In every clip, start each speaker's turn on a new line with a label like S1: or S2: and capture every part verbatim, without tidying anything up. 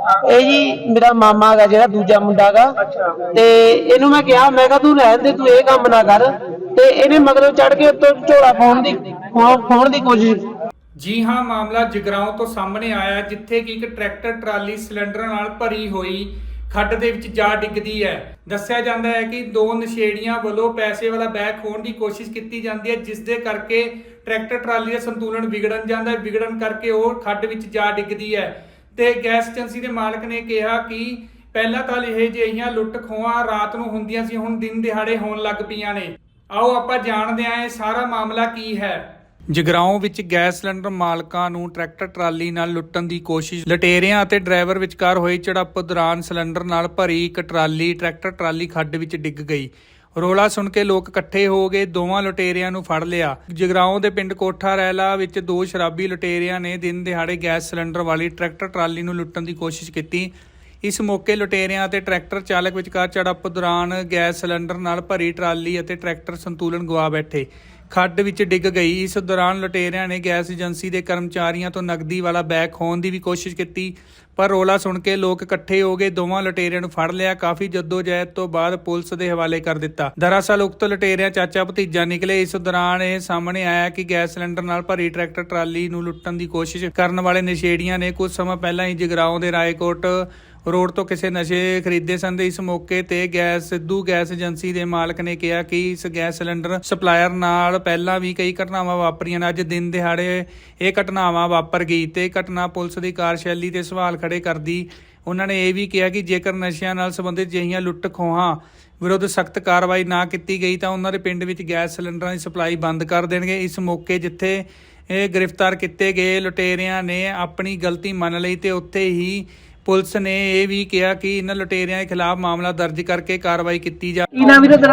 S1: ਇਹ ਜੀ ਮੇਰਾ ਮਾਮਾ ਹੈਗਾ ਜਿਹੜਾ ਦੂਜਾ ਮੁੰਡਾ ਹੈਗਾ ਤੇ ਇਹਨੂੰ ਮੈਂ ਕਿਹਾ ਮੈਂ ਕਿਹਾ ਤੂੰ ਰਹਿਣ ਦੇ, ਤੂੰ ਇਹ ਕੰਮ ਨਾ ਕਰ, ਤੇ ਇਹਨੇ ਮਗਰੋਂ ਚੜ ਕੇ ਉੱਤੋਂ ਝੋਲਾ ਪਾਉਣ ਦੀ ਪਾਉਣ ਦੀ ਕੋਸ਼ਿਸ਼।
S2: ਜੀ ਹਾਂ, ਮਾਮਲਾ ਜਗਰਾਉਂ ਤੋਂ ਸਾਹਮਣੇ ਆਇਆ ਜਿੱਥੇ ਕਿ ਇੱਕ ਟਰੈਕਟਰ ਟਰਾਲੀ ਸਿਲੰਡਰ ਨਾਲ ਭਰੀ ਹੋਈ ਖੱਡ ਦੇ ਵਿੱਚ ਜਾ ਡਿੱਗਦੀ ਹੈ। ਦੱਸਿਆ ਜਾਂਦਾ ਹੈ ਕਿ ਦੋ ਨਸ਼ੇੜੀਆਂ ਵੱਲੋਂ ਪੈਸੇ ਵਾਲਾ ਬੈਗ ਖੋਹਣ ਦੀ ਕੋਸ਼ਿਸ਼ ਕੀਤੀ ਜਾਂਦੀ ਹੈ, ਜਿਸ ਦੇ ਕਰਕੇ ਟਰੈਕਟਰ ਟਰਾਲੀ ਦਾ ਸੰਤੁਲਨ ਵਿਗੜਨ ਜਾਂਦਾ ਹੈ। ਵਿਗੜਨ ਕਰਕੇ ਉਹ ਖੱਡ ਵਿੱਚ ਜਾ ਡਿੱਗਦੀ ਹੈ ਤੇ ਗੈਸ ਏਜੰਸੀ ਦੇ ਮਾਲਕ ਨੇ ਕਿਹਾ ਕਿ ਪਹਿਲਾਂ ਤਾਂ ਇਹ ਜਿਹੀਆਂ ਲੁੱਟ ਖੋਹਾਂ ਰਾਤ ਨੂੰ ਹੁੰਦੀਆਂ ਸੀ, ਹੁਣ ਦਿਨ ਦਿਹਾੜੇ ਹੋਣ ਲੱਗ ਪਈਆਂ ਨੇ। ਆਓ ਆਪਾਂ ਜਾਣਦੇ ਹਾਂ ਇਹ ਸਾਰਾ ਮਾਮਲਾ ਕੀ ਹੈ। ਜਗਰਾਉਂ ਵਿੱਚ ਗੈਸ ਸਿਲੰਡਰ ਮਾਲਕਾਂ ਨੂੰ ਟਰੈਕਟਰ ਟਰਾਲੀ ਨਾਲ ਲੁੱਟਣ ਦੀ ਕੋਸ਼ਿਸ਼। ਲਟੇਰਿਆਂ ਅਤੇ ਡਰਾਈਵਰ ਵਿਚਕਾਰ ਹੋਈ ਝੜਪ ਦੌਰਾਨ ਸਿਲੰਡਰ ਨਾਲ ਭਰੀ ਇੱਕ ਟਰਾਲੀ ਟਰੈਕਟਰ ਟਰਾਲੀ ਖੱਡ ਵਿੱਚ ਡਿੱਗ ਗਈ। ਰੋਲਾ ਸੁਣ ਕੇ ਲੋਕ ਇਕੱਠੇ ਹੋ ਗਏ, ਦੋਵਾਂ ਲੁਟੇਰਿਆਂ ਨੂੰ ਫੜ ਲਿਆ। ਜਗਰਾਉਂ ਦੇ ਪਿੰਡ ਕੋਠਾ ਰੈਲਾ ਵਿੱਚ ਦੋ ਸ਼ਰਾਬੀ ਲੁਟੇਰਿਆਂ ਨੇ ਦਿਨ ਦਿਹਾੜੇ ਗੈਸ ਸਿਲੰਡਰ ਵਾਲੀ ਟਰੈਕਟਰ ਟਰਾਲੀ ਨੂੰ ਲੁੱਟਣ ਦੀ ਕੋਸ਼ਿਸ਼ ਕੀਤੀ। ਇਸ ਮੌਕੇ ਲੁਟੇਰਿਆਂ ਅਤੇ ਟਰੈਕਟਰ ਚਾਲਕ ਵਿਚਕਾਰ ਝੜਪ ਦੌਰਾਨ ਗੈਸ ਸਿਲੰਡਰ ਨਾਲ ਭਰੀ ਟਰਾਲੀ ਅਤੇ ਟਰੈਕਟਰ ਸੰਤੁਲਨ ਗਵਾ ਬੈਠੇ, ਖੱਡ ਵਿੱਚ ਡਿੱਗ ਗਈ। ਇਸ ਦੌਰਾਨ ਲੁਟੇਰਿਆਂ ਨੇ ਗੈਸ ਏਜੰਸੀ ਦੇ ਕਰਮਚਾਰੀਆਂ ਤੋਂ ਨਕਦੀ ਵਾਲਾ ਬੈਗ ਖੋਹਣ ਦੀ ਵੀ ਕੋਸ਼ਿਸ਼ ਕੀਤੀ, ਪਰ ਰੌਲਾ ਸੁਣ ਕੇ ਲੋਕ ਇਕੱਠੇ ਹੋ ਗਏ, ਦੋਵਾਂ ਲੁਟੇਰਿਆਂ ਨੂੰ ਫੜ ਲਿਆ। ਕਾਫੀ ਜੱਦੋਜਹਿਦ ਤੋਂ ਬਾਅਦ ਪੁਲਿਸ ਦੇ ਹਵਾਲੇ ਕਰ ਦਿੱਤਾ। ਦਰਅਸਲ ਉਕਤ ਲੁਟੇਰਿਆਂ ਚਾਚਾ ਭਤੀਜਾ ਨਿਕਲੇ। ਇਸ ਦੌਰਾਨ ਇਹ ਸਾਹਮਣੇ ਆਇਆ ਕਿ ਗੈਸ ਸਿਲੰਡਰ ਨਾਲ ਭਰੀ ਟਰੈਕਟਰ ਟਰਾਲੀ ਨੂੰ ਲੁੱਟਣ ਦੀ ਕੋਸ਼ਿਸ਼ ਕਰਨ ਵਾਲੇ ਨਸ਼ੇੜੀਆਂ ਨੇ ਕੁਝ ਸਮਾਂ ਪਹਿਲਾਂ ਹੀ ਜਗਰਾਉਂ ਦੇ ਰਾਏਕੋਟ ਰੋਡ ਤੋਂ ਕਿਸੇ ਨਸ਼ੇ ਖਰੀਦੇ ਸਨ। ਇਸ ਮੌਕੇ ਤੇ ਗੈਸ ਸਿੱਧੂ ਗੈਸ ਏਜੰਸੀ ਦੇ ਮਾਲਕ ਨੇ ਕਿਹਾ ਕਿ ਇਸ ਗੈਸ ਸਿਲੰਡਰ ਸਪਲਾਇਰ ਨਾਲ ਪਹਿਲਾਂ ਵੀ ਕਈ ਘਟਨਾਵਾਂ ਵਾਪਰੀਆਂ ਨੇ। ਅੱਜ ਦਿਨ ਦਿਹਾੜੇ ਇਹ ਘਟਨਾਵਾਂ ਵਾਪਰ ਗਈ ਤੇ ਘਟਨਾ ਪੁਲਿਸ ਦੀ ਕਾਰਜਸ਼ੈਲੀ ਤੇ ਸਵਾਲ ਖੜੇ ਕਰਦੀ। ਉਹਨਾਂ ਨੇ ਇਹ ਵੀ ਕਿਹਾ ਕਿ ਜੇਕਰ ਨਸ਼ਿਆਂ ਨਾਲ ਸੰਬੰਧਿਤ ਅਜਿਹੀਆਂ ਲੁੱਟ ਖੋਹਾਂ ਵਿਰੁੱਧ ਸਖਤ ਕਾਰਵਾਈ ਨਾ ਕੀਤੀ ਗਈ ਤਾਂ ਉਹਨਾਂ ਦੇ ਪਿੰਡ ਵਿੱਚ ਗੈਸ ਸਿਲੰਡਰਾਂ ਦੀ ਸਪਲਾਈ ਬੰਦ ਕਰ ਦੇਣਗੇ। ਇਸ ਮੌਕੇ ਜਿੱਥੇ ਇਹ ਗ੍ਰਿਫਤਾਰ ਕੀਤੇ ਗਏ ਲੁਟੇਰਿਆਂ ਨੇ ਆਪਣੀ ਗਲਤੀ ਮੰਨ ਲਈ ਤੇ ਉੱਥੇ ਹੀ ਪੁਲਿਸ ਨੇ ਇਹ ਵੀ ਕਿਹਾ ਕਿ ਇਹਨਾਂ ਲੁਟੇਰਿਆਂ ਦੇ ਖਿਲਾਫ ਮਾਮਲਾ ਦਰਜ ਕਰਕੇ ਕਾਰਵਾਈ ਕੀਤੀ ਜਾ।
S3: ਕੀ ਨਾਮ ਵੀਰੇ ਤੇਰਾ?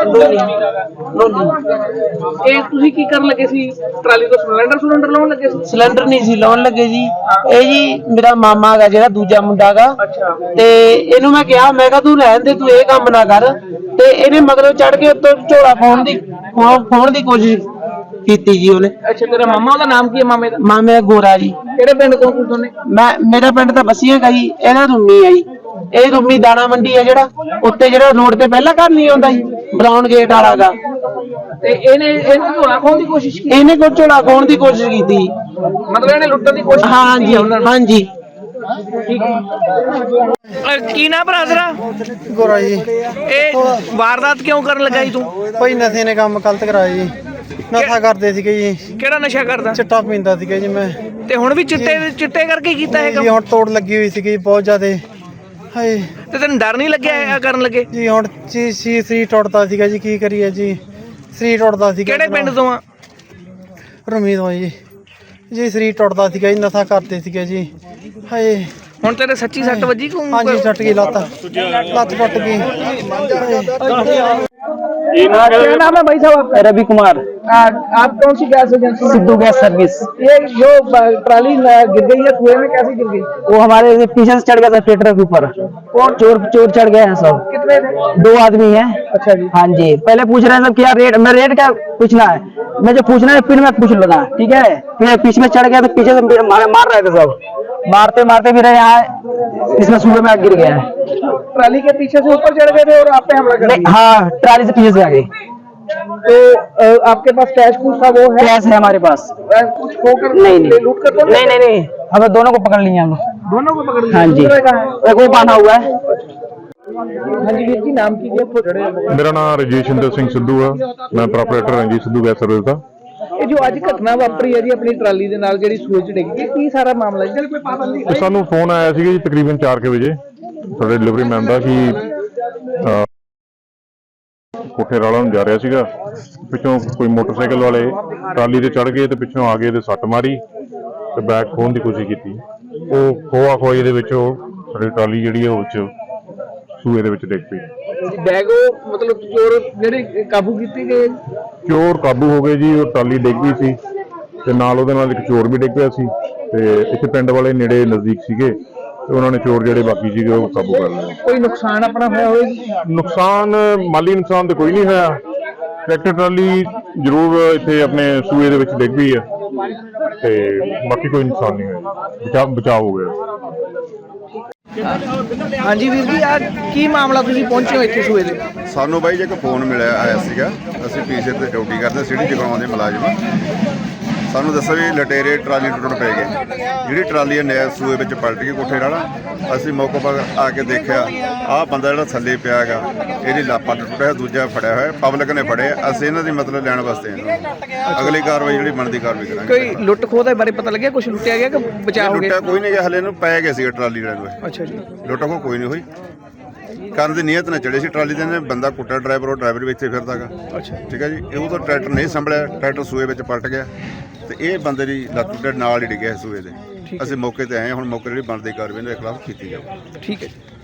S3: ਇਹ ਤੁਸੀਂ ਕੀ ਕਰਨ ਲੱਗੇ ਸੀ? ਟਰਾਲੀ ਤੋਂ ਸਿਲੰਡਰ ਸਿਲੰਡਰ ਲਾਉਣ ਲੱਗੇ ਸੀ?
S1: ਸਿਲੰਡਰ ਨਹੀਂ ਸੀ ਲਾਉਣ ਲੱਗੇ ਜੀ। ਇਹ ਜੀ ਮੇਰਾ ਮਾਮਾ ਹੈਗਾ ਜਿਹੜਾ ਦੂਜਾ ਮੁੰਡਾ ਹੈਗਾ ਤੇ ਇਹਨੂੰ ਮੈਂ ਕਿਹਾ ਮੈਂ ਕਿਹਾ ਤੂੰ ਰਹਿਣ ਦੇ, ਤੂੰ ਇਹ ਕੰਮ ਨਾ ਕਰ, ਤੇ ਇਹਨੇ ਮਗਰੋਂ ਚੜ ਕੇ ਉੱਤੋਂ ਝੋਲਾ ਪਾਉਣ ਦੀ ਪਾਉਣ ਦੀ ਕੋਸ਼ਿਸ਼ ਕੀਤੀ ਜੀ ਉਹਨੇ।
S3: ਅੱਛਾ, ਤੇਰਾ ਮਾਮਾ, ਉਹਦਾ ਨਾਮ ਕੀ ਹੈ ਮਾਮੇ ਦਾ?
S1: ਮਾਮੇ ਦਾ ਗੋਰਾ ਜੀ।
S3: ਕਿਹੜੇ ਪਿੰਡ ਤੋਂ ਦੋਨੇ?
S1: ਮੈਂ ਮੇਰਾ ਪਿੰਡ ਤਾਂ ਬਸੀਆਂ ਗਾ ਜੀ, ਇਹਦਾ ਰੁੰਮੀ ਆ ਜੀ। ਇਹ ਰੁੰਮੀ ਦਾਣਾ ਮੰਡੀ ਆ ਜਿਹੜਾ ਉੱਤੇ ਜਿਹੜਾ ਰੋਡ ਤੇ ਪਹਿਲਾਂ ਘਰ ਨਹੀਂ ਆਉਂਦਾ ਜੀ, ਬਰਾਊਨ ਗੇਟ ਵਾਲਾ ਗਾ।
S3: ਤੇ ਇਹਨੇ ਇਹਨੇ ਝੋਲਾ ਖੋਹਣ ਦੀ ਕੋਸ਼ਿਸ਼ ਕੀਤੀ?
S1: ਇਹਨੇ ਕੋਈ ਝੋਲਾ ਖੋਹਣ ਦੀ ਕੋਸ਼ਿਸ਼ ਕੀਤੀ,
S3: ਮਤਲਬ ਇਹਨੇ ਲੁੱਟਣ ਦੀ ਕੋਸ਼ਿਸ਼?
S1: ਹਾਂਜੀ ਹਾਂਜੀ।
S3: ਕੀ ਨਾ ਭਰਾ ਤੇਰਾ?
S4: ਗੋਰਾ ਜੀ।
S3: ਇਹ ਵਾਰਦਾਤ ਕਿਉਂ ਕਰਨ ਲੱਗਾ ਜੀ ਤੂੰ?
S4: ਭਾਈ ਨਸ਼ੇ ਨੇ ਕੰਮ ਗਲਤ ਕਰਾਇਆ ਜੀ। ਨਸ਼ਾ ਕਰਦੇ ਸੀਗੇ ਜੀ।
S3: ਕਿਹੜਾ ਨਸ਼ਾ ਕਰਦਾ?
S4: ਚਿੱਟਾ ਪੀਂਦਾ ਸੀਗਾ ਜੀ ਮੈਂ।
S3: ਤੇ ਹੁਣ ਵੀ ਚਿੱਟੇ ਚਿੱਟੇ ਕਰਕੇ ਕੀਤਾ ਇਹ ਕੰਮ?
S4: ਜੀ ਹੁਣ ਤੋੜ ਲੱਗੀ ਹੋਈ ਸੀਗੀ ਬਹੁਤ ਜ਼ਿਆਦਾ। ਹਾਏ,
S3: ਤੇ ਤੈਨੂੰ ਡਰ ਨਹੀਂ ਲੱਗਿਆ ਇਹ ਕਰਨ ਲੱਗੇ?
S4: ਜੀ ਹੁਣ ਜੀ ਸੀ ਸਰੀਰ ਟੁੱਟਦਾ ਸੀਗਾ ਜੀ, ਕੀ ਕਰੀਏ ਜੀ, ਸਰੀਰ ਟੁੱਟਦਾ ਸੀਗਾ।
S3: ਕਿਹੜੇ ਪਿੰਡ ਤੋਂ ਆ?
S4: ਰਮੀ ਤੋਂ ਜੀ। ਜੀ ਸਰੀਰ ਟੁੱਟਦਾ ਸੀਗਾ ਜੀ, ਨਸ਼ਾ ਕਰਦੇ ਸੀਗੇ ਜੀ। ਹਾਏ,
S3: ਹੁਣ ਤੇਰੇ ਸੱਚੀ ਸੱਟ ਵੱਜੀ ਕੋ?
S4: ਹਾਂਜੀ, ਛੱਟ ਗਈ ਲੱਤ, ਲੱਤ ਟੁੱਟ ਗਈ।
S3: क्या नाम है भाई साहब?
S5: रवि कुमार।
S3: आप कौन सी gas agency?
S5: Sidhu gas service.
S3: ये जो ट्राली गिर गई है कुएं में, कैसे गिर गई?
S5: वो हमारे पीछे से चढ़ गया था ट्रैक्टर के ऊपर। और चोर चोर चढ़ गए हैं सब।
S3: कितने थे?
S5: दो आदमी हैं।
S3: अच्छा जी।
S5: हाँ जी। पहले पूछ रहे हैं सब क्या रेट, मैं रेट क्या पूछना है, मैं जो पूछना है फिर मैं पूछ लगा, ठीक है। फिर पीछे में चढ़ गया तो पीछे से मार, मार रहे थे सब, मारते मारते फिर यहाँ इसमें सूर्य में गिर गया है।
S3: ट्राली के पीछे से ऊपर चढ़ गए थे और आप पे हमला कर दिया?
S5: हाँ, ट्राली से पीछे से आ गई।
S3: तो आपके पास कैश कुछ था? वो है?
S5: कैश है हमारे पास।
S3: कुछ खोकर
S5: नहीं नहीं
S3: लूट कर तो
S5: नहीं नहीं नहीं, हमें दोनों को पकड़ लिया हम लोग।
S3: दोनों को पकड़ लिया?
S5: हाँ जी। एक वो बांधा हुआ है।
S3: हाँ जी वीर जी, नाम की?
S6: मेरा नाम रजेशिंदर सिंह सिद्धू है, मैं प्रोपराइटर हाँ जी सिद्धू गैस सर्विस का।
S3: ਇਹ ਜੋ ਅੱਜ ਘਟਨਾ ਵਾਪਰੀ ਹੈ ਜੀ ਆਪਣੀ ਟਰਾਲੀ ਦੇ ਨਾਲ ਜਿਹੜੀ ਸੂਏ ਚ ਡਿੱਗ ਗਈ, ਕੀ ਸਾਰਾ ਮਾਮਲਾ ਜੀ? ਕੋਈ ਪਾਬੰਦੀ?
S6: ਸਾਨੂੰ ਫੋਨ ਆਇਆ ਸੀਗਾ ਜੀ ਤਕਰੀਬਨ ਚਾਰ ਵਜੇ ਸਾਡੇ ਡਿਲੀਵਰੀ ਮੈਨ ਦਾ ਕਿ ਕੋਠੇ ਰਾਲਾ ਨੂੰ ਜਾ ਰਿਹਾ ਸੀਗਾ, ਪਿੱਛੋਂ ਕੋਈ ਮੋਟਰਸਾਈਕਲ ਵਾਲੇ ਟਰਾਲੀ ਤੇ ਚੜ ਗਏ ਤੇ ਪਿੱਛੋਂ ਆ ਗਏ ਤੇ ਸੱਟ ਮਾਰੀ ਤੇ ਬੈਗ ਖੋਹਣ ਦੀ ਕੋਸ਼ਿਸ਼ ਕੀਤੀ। ਉਹ ਖੋਆ ਖੋਈ ਦੇ ਵਿੱਚ ਉਹ ਸਾਡੀ ਟਰਾਲੀ ਜਿਹੜੀ ਹੈ ਉਹ ਚ ਸੂਏ ਦੇ ਵਿੱਚ ਡਿੱਗ ਪਈ।
S3: ਬੈਗ ਮਤਲਬ ਚੋਰ ਜਿਹੜੇ ਕਾਬੂ ਕੀਤੇ ਗਏ?
S6: ਚੋਰ ਕਾਬੂ ਹੋ ਗਏ ਜੀ। ਉਹ ਟਰਾਲੀ ਡਿੱਗ ਗਈ ਸੀ ਤੇ ਨਾਲ ਉਹਦੇ ਨਾਲ ਇੱਕ ਚੋਰ ਵੀ ਡਿੱਗ ਪਿਆ ਸੀ ਤੇ ਇੱਥੇ ਪਿੰਡ ਵਾਲੇ ਨੇੜੇ ਨਜ਼ਦੀਕ ਸੀਗੇ ਤੇ ਉਹਨਾਂ ਨੇ ਚੋਰ ਜਿਹੜੇ ਬਾਕੀ ਸੀਗੇ ਉਹ ਕਾਬੂ ਕਰ ਲਏ।
S3: ਕੋਈ ਨੁਕਸਾਨ ਆਪਣਾ ਹੋਇਆ ਹੋਇਆ?
S6: ਨੁਕਸਾਨ ਮਾਲੀ ਨੁਕਸਾਨ ਤੇ ਕੋਈ ਨਹੀਂ ਹੋਇਆ। ਟਰੈਕਟਰ ਟਰਾਲੀ ਜ਼ਰੂਰ ਇੱਥੇ ਆਪਣੇ ਸੂਏ ਦੇ ਵਿੱਚ ਡਿੱਗ ਪਈ ਹੈ ਤੇ ਬਾਕੀ ਕੋਈ ਨੁਕਸਾਨ ਨਹੀਂ ਹੋਇਆ, ਬਚਾਅ ਬਚਾਅ ਹੋ ਗਿਆ।
S3: ਹਾਂਜੀ ਵੀਰ ਜੀ, ਆ ਕੀ ਮਾਮਲਾ, ਤੁਸੀਂ ਪਹੁੰਚੇ ਹੋ ਇੱਥੇ ਸੂਏ ਦੇ?
S7: ਸਾਨੂੰ ਬਾਈ ਜੀ ਇੱਕ ਫੋਨ ਮਿਲਿਆ ਆਇਆ ਸੀਗਾ। ਅਸੀਂ ਪੀਛੇ ਤੇ ਡਿਊਟੀ ਕਰਦੇ ਸਿਟੀ ਜਗਰਾਉਂ ਦੇ ਮੁਲਾਜ਼ਮ। ਸਾਨੂੰ ਦੱਸਿਆ ਵੀ ਲਟੇਰੇ ਟਰਾਲੀ ਟੁੱਟਣ ਪੈ ਗਏ। ਜਿਹੜੀ ਟਰਾਲੀ ਹੈ ਨਹਿਰ ਸੂਏ ਵਿੱਚ ਪਲਟ ਗਈ ਕੋਠੇ ਨਾਲ। ਅਸੀਂ ਮੌਕੇ ਪਰ ਆ ਕੇ ਦੇਖਿਆ ਆਹ ਬੰਦਾ ਜਿਹੜਾ ਥੱਲੇ ਪਿਆ ਹੈਗਾ, ਇਹਦੀ ਲਾਪਾ ਟੁੱਟਿਆ, ਦੂਜਾ ਫੜਿਆ ਹੋਇਆ, ਪਬਲਿਕ ਨੇ ਫੜਿਆ। ਅਸੀਂ ਇਹਨਾਂ ਦੀ ਮਤਲਬ ਲੈਣ ਵਾਸਤੇ ਆਏ। ਅਗਲੀ ਕਾਰਵਾਈ ਜਿਹੜੀ ਬਣਦੀ ਕਾਰਵਾਈ ਕਰਾਂਗੇ।
S3: ਕੋਈ ਲੁੱਟ ਖੋਹ ਦੇ ਬਾਰੇ ਪਤਾ ਲੱਗਿਆ? ਕੁਝ ਲੁੱਟਿਆ ਗਿਆ ਕਿ ਬਚਾਅ ਹੋ ਗਿਆ?
S7: ਲੁੱਟਿਆ ਕੋਈ ਨਹੀਂ ਗਿਆ, ਹਲੇ ਇਹਨੂੰ ਪੈ ਗਏ ਸੀ ਟਰਾਲੀ ਵਾਲੇ ਨੂੰ।
S3: ਅੱਛਾ ਜੀ।
S7: ਲੁੱਟ ਖੋਹ ਕੋਈ ਨਹੀਂ ਹੋਈ। ਕਰਨ ਦੀ ਨੀਅਤ ਨਾਲ ਚੜੇ ਸੀ ਟਰਾਲੀ ਦੇ ਨੇ। ਬੰਦਾ ਕੁੱਟਿਆ ਡਰਾਈਵਰ, ਉਹ ਡਰਾਈਵਰ ਵੀ ਇੱਥੇ ਫਿਰਦਾ ਗਾ।
S3: ਅੱਛਾ
S7: ਠੀਕ ਹੈ ਜੀ। ਇਹ ਉਹ ਤਾਂ ਟਰੈਕਟਰ ਨਹੀਂ ਸੰਭਲਿਆ, ਟਰੈਕਟਰ ਸੂਏ ਵਿੱਚ ਪਲਟ ਗਿਆ ਤੇ ਇਹ ਬੰਦੇ ਦੀ ਲੱਤ ਦੇ ਨਾਲ ਹੀ ਡਿੱਗਿਆ ਸੂਏ ਦੇ। ਅਸੀਂ ਮੌਕੇ ਤੇ ਆਏ ਹਾਂ। ਹੁਣ ਮੌਕੇ ਜਿਹੜੀ ਬਣਦੀ ਕਾਰਵਾਈ ਦੇ ਖਿਲਾਫ ਕੀਤੀ ਜਾਵੇ।
S3: ਠੀਕ ਹੈ ਜੀ।